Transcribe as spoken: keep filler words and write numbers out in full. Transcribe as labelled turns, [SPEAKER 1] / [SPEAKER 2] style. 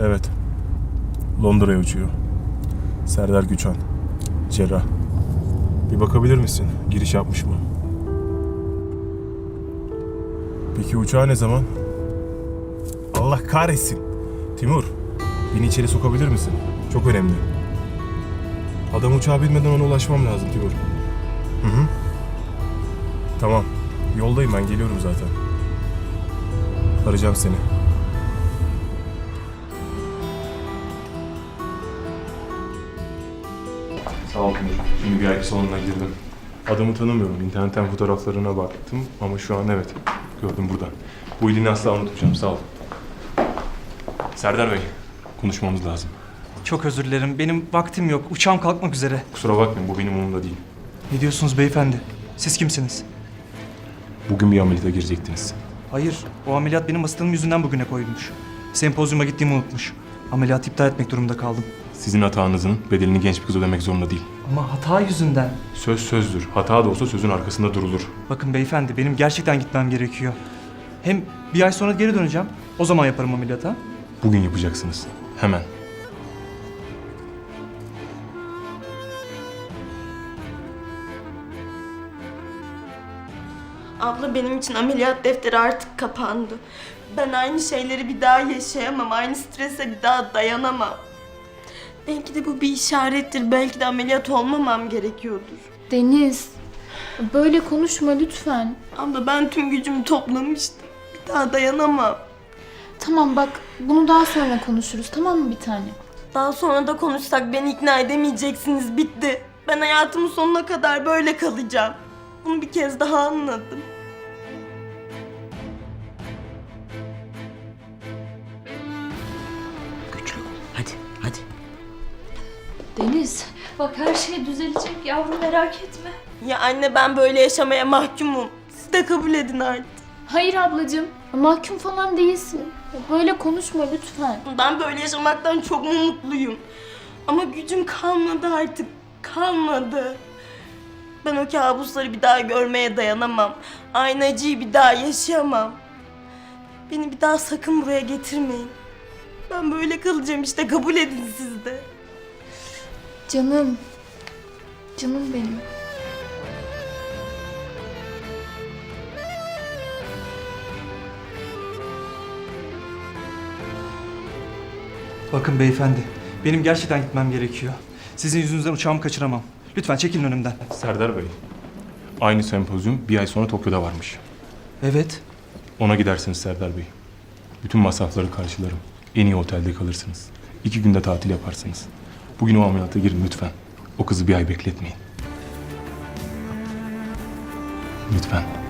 [SPEAKER 1] Evet. Londra'ya uçuyor. Serdar Güçan. Cerrah. Bir bakabilir misin? Giriş yapmış mı? Peki uçağı ne zaman? Allah kahretsin. Timur, beni içeri sokabilir misin? Çok önemli. Adam uçağa binmeden ona ulaşmam lazım Timur. Hı hı. Tamam. Yoldayım ben. Geliyorum zaten. Arayacağım seni. Sağ ol Timur. Şimdi bir ay salonuna girdim. Adamı tanımıyorum. İnternetten fotoğraflarına baktım ama şu an evet. Gördüm burada. Bu iyiliğini asla unutmayacağım. Sağ ol. Serdar Bey, konuşmamız lazım.
[SPEAKER 2] Çok özür dilerim. Benim vaktim yok. Uçağım kalkmak üzere.
[SPEAKER 1] Kusura bakmayın, bu benim umurumda değil.
[SPEAKER 2] Ne diyorsunuz beyefendi? Siz kimsiniz?
[SPEAKER 1] Bugün bir ameliyata girecektiniz.
[SPEAKER 2] Hayır. O ameliyat benim hastalığım yüzünden bugüne koyulmuş. Sempozyuma gittiğimi unutmuş. Ameliyatı iptal etmek durumunda kaldım.
[SPEAKER 1] Sizin hatanızın bedelini genç bir kız ödemek zorunda değil.
[SPEAKER 2] Ama hata yüzünden.
[SPEAKER 1] Söz sözdür. Hata da olsa sözün arkasında durulur.
[SPEAKER 2] Bakın beyefendi, benim gerçekten gitmem gerekiyor. Hem bir ay sonra geri döneceğim. O zaman yaparım ameliyata.
[SPEAKER 1] Bugün yapacaksınız. Hemen.
[SPEAKER 3] Abla benim için ameliyat defteri artık kapandı. Ben aynı şeyleri bir daha yaşayamam. Aynı strese bir daha dayanamam. Belki de bu bir işarettir. Belki de ameliyat olmamam gerekiyordur.
[SPEAKER 4] Deniz, böyle konuşma lütfen.
[SPEAKER 3] Abla ben tüm gücümü toplamıştım. Bir daha dayanamam.
[SPEAKER 4] Tamam bak, bunu daha sonra konuşuruz, tamam mı bir tane?
[SPEAKER 3] Daha sonra da konuşsak beni ikna edemeyeceksiniz. Bitti. Ben hayatımın sonuna kadar böyle kalacağım. Bunu bir kez daha anladım.
[SPEAKER 5] Güçlü ol. Hadi, hadi.
[SPEAKER 4] Deniz, bak her şey düzelecek yavrum, merak etme.
[SPEAKER 3] Ya anne ben böyle yaşamaya mahkumum. Siz de kabul edin artık.
[SPEAKER 4] Hayır ablacığım, mahkum falan değilsin. Böyle konuşma lütfen.
[SPEAKER 3] Ben böyle yaşamaktan çok mu mutluyum. Ama gücüm kalmadı artık. Kalmadı. Ben o kabusları bir daha görmeye dayanamam. Aynı acıyı bir daha yaşayamam. Beni bir daha sakın buraya getirmeyin. Ben böyle kalacağım işte, kabul edin siz de.
[SPEAKER 4] Canım, canım benim.
[SPEAKER 2] Bakın beyefendi, benim gerçekten gitmem gerekiyor. Sizin yüzünüzden uçağımı kaçıramam. Lütfen çekilin önümden.
[SPEAKER 1] Serdar Bey, aynı sempozyum bir ay sonra Tokyo'da varmış.
[SPEAKER 2] Evet.
[SPEAKER 1] Ona gidersiniz Serdar Bey. Bütün masrafları karşılarım. En iyi otelde kalırsınız. İki günde tatil yaparsınız. Bugün o ameliyata girin lütfen. O kızı bir ay bekletmeyin. Lütfen.